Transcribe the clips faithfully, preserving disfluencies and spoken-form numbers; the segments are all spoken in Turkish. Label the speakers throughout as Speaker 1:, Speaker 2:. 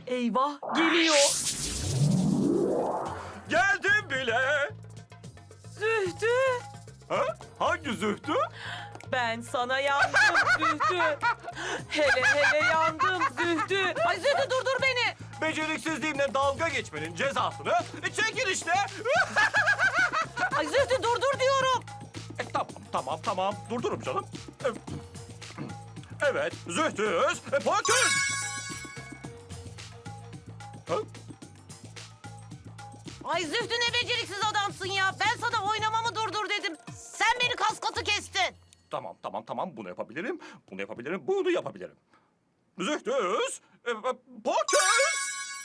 Speaker 1: Eyvah, geliyor.
Speaker 2: Geldim bile.
Speaker 1: Zühtü.
Speaker 2: Ha? Hangi Zühtü?
Speaker 1: Ben sana yandım Zühtü. Hele hele yandım Zühtü. Ay Zühtü durdur beni.
Speaker 2: Beceriksizliğimle dalga geçmenin cezasını çekin işte.
Speaker 1: Ay Zühtü durdur diyorum.
Speaker 2: E, tamam, tamam, tamam. Durdurum canım. E, Evet, Zühtüz, e, Poküz. Ha?
Speaker 1: Ay Zühtü ne beceriksiz adamsın ya. Ben sana oynamamı durdur dedim. Sen beni kas katı kestin.
Speaker 2: Tamam, tamam, tamam. Bunu yapabilirim, bunu yapabilirim, bunu yapabilirim. Zühtüz, e, e, Poküz.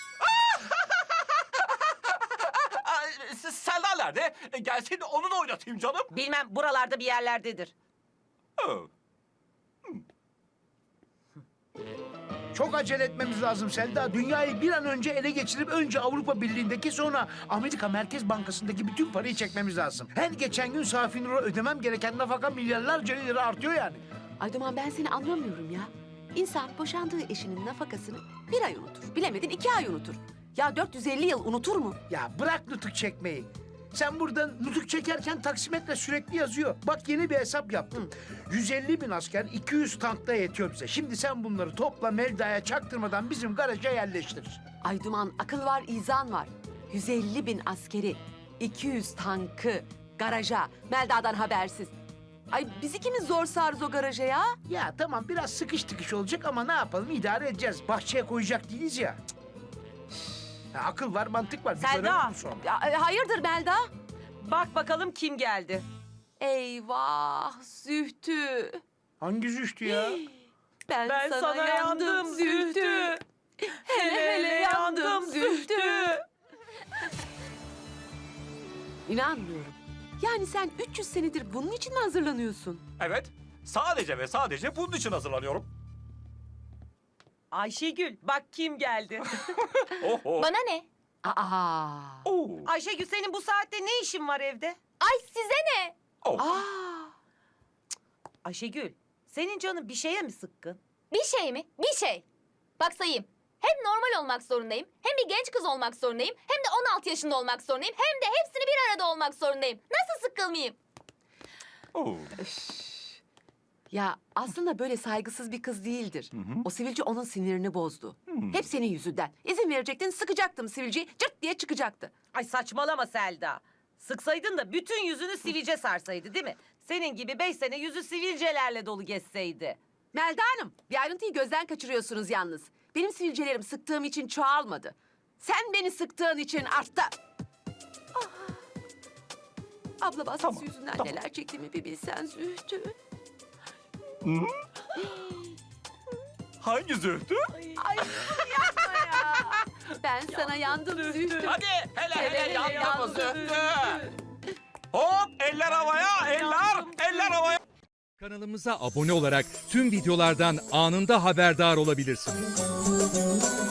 Speaker 2: Ay, s- Selda nerede? E, Gelsin onu da oynatayım canım.
Speaker 1: Bilmem buralarda bir yerlerdedir.
Speaker 2: Ha.
Speaker 3: Çok acele etmemiz lazım Selda. Dünyayı bir an önce ele geçirip önce Avrupa Birliği'ndeki sonra Amerika Merkez Bankası'ndaki bütün parayı çekmemiz lazım. Her geçen gün Safi Nur'a ödemem gereken nafaka milyarlarca lira artıyor yani.
Speaker 4: Ay Duman ben seni anlamıyorum ya. İnsan boşandığı eşinin nafakasını bir ay unutur. Bilemedin iki ay unutur. Ya dört yüz elli yıl unutur mu?
Speaker 3: Ya bırak nutuk çekmeyi. Sen buradan nutuk çekerken taksimetre sürekli yazıyor. Bak yeni bir hesap yaptım. yüz elli bin asker iki yüz tankta yetiyor bize. Şimdi sen bunları topla Melda'ya çaktırmadan bizim garaja yerleştir.
Speaker 4: Ay Duman akıl var izan var. yüz elli bin askeri, iki yüz tankı, garaja, Melda'dan habersiz. Ay biz ikimiz zor sığarız o garaja ya.
Speaker 3: Ya tamam biraz sıkış tıkış olacak ama ne yapalım idare edeceğiz. Bahçeye koyacak değiliz ya. Ya akıl var mantık var. Bir
Speaker 1: Selda.
Speaker 3: görelim bu sonra.
Speaker 4: Ya, e, hayırdır Melda?
Speaker 1: Bak bakalım kim geldi.
Speaker 4: Eyvah Zühtü.
Speaker 3: Hangi züştü ya?
Speaker 4: Ben,
Speaker 1: Ben sana, yandım Zühtü. Hele hele yandım Zühtü.
Speaker 4: İnanmıyorum. Yani sen üç yüz senedir bunun için mi hazırlanıyorsun?
Speaker 2: Evet, sadece ve sadece bunun için hazırlanıyorum.
Speaker 1: Ayşegül bak kim geldi.
Speaker 2: Oho.
Speaker 5: Bana ne?
Speaker 4: Aa.
Speaker 2: Oo.
Speaker 1: Ayşegül senin bu saatte ne işin var evde?
Speaker 5: Ay size ne?
Speaker 2: Oh.
Speaker 4: Aa.
Speaker 1: Ayşegül senin canın bir şeye mi sıkkın?
Speaker 5: Bir şey mi? Bir şey. Bak sayayım. Hem normal olmak zorundayım, hem bir genç kız olmak zorundayım, hem de on altı yaşında olmak zorundayım, hem de hepsini bir arada olmak zorundayım. Nasıl sıkılmayayım?
Speaker 2: Oo.
Speaker 4: Ya aslında böyle saygısız bir kız değildir. O sivilce onun sinirini bozdu. Hep senin yüzünden. İzin verecektin, sıkacaktım sivilceyi, cırt diye çıkacaktı.
Speaker 1: Ay saçmalama Selda. Sıksaydın da bütün yüzünü sivilce sarsaydı değil mi? Senin gibi beş sene yüzü sivilcelerle dolu geçseydi.
Speaker 4: Melda Hanım, bir ayrıntıyı gözden kaçırıyorsunuz yalnız. Benim sivilcelerim sıktığım için çoğalmadı. Sen beni sıktığın için arttı. Ah. Abla baskısı
Speaker 2: Tamam,
Speaker 4: yüzünden
Speaker 2: tamam.
Speaker 4: neler çektiğimi bir bilsen Zühtü.
Speaker 2: Hangi Zühtü?
Speaker 4: Ay yapma ya. Ben sana yandım Zühtü.
Speaker 2: Hadi hele hele,
Speaker 4: Hele hele
Speaker 2: yandım
Speaker 4: yandım
Speaker 2: Zühtü. Hop eller havaya, eller, eller havaya.
Speaker 6: Kanalımıza abone olarak tüm videolardan anında haberdar olabilirsiniz.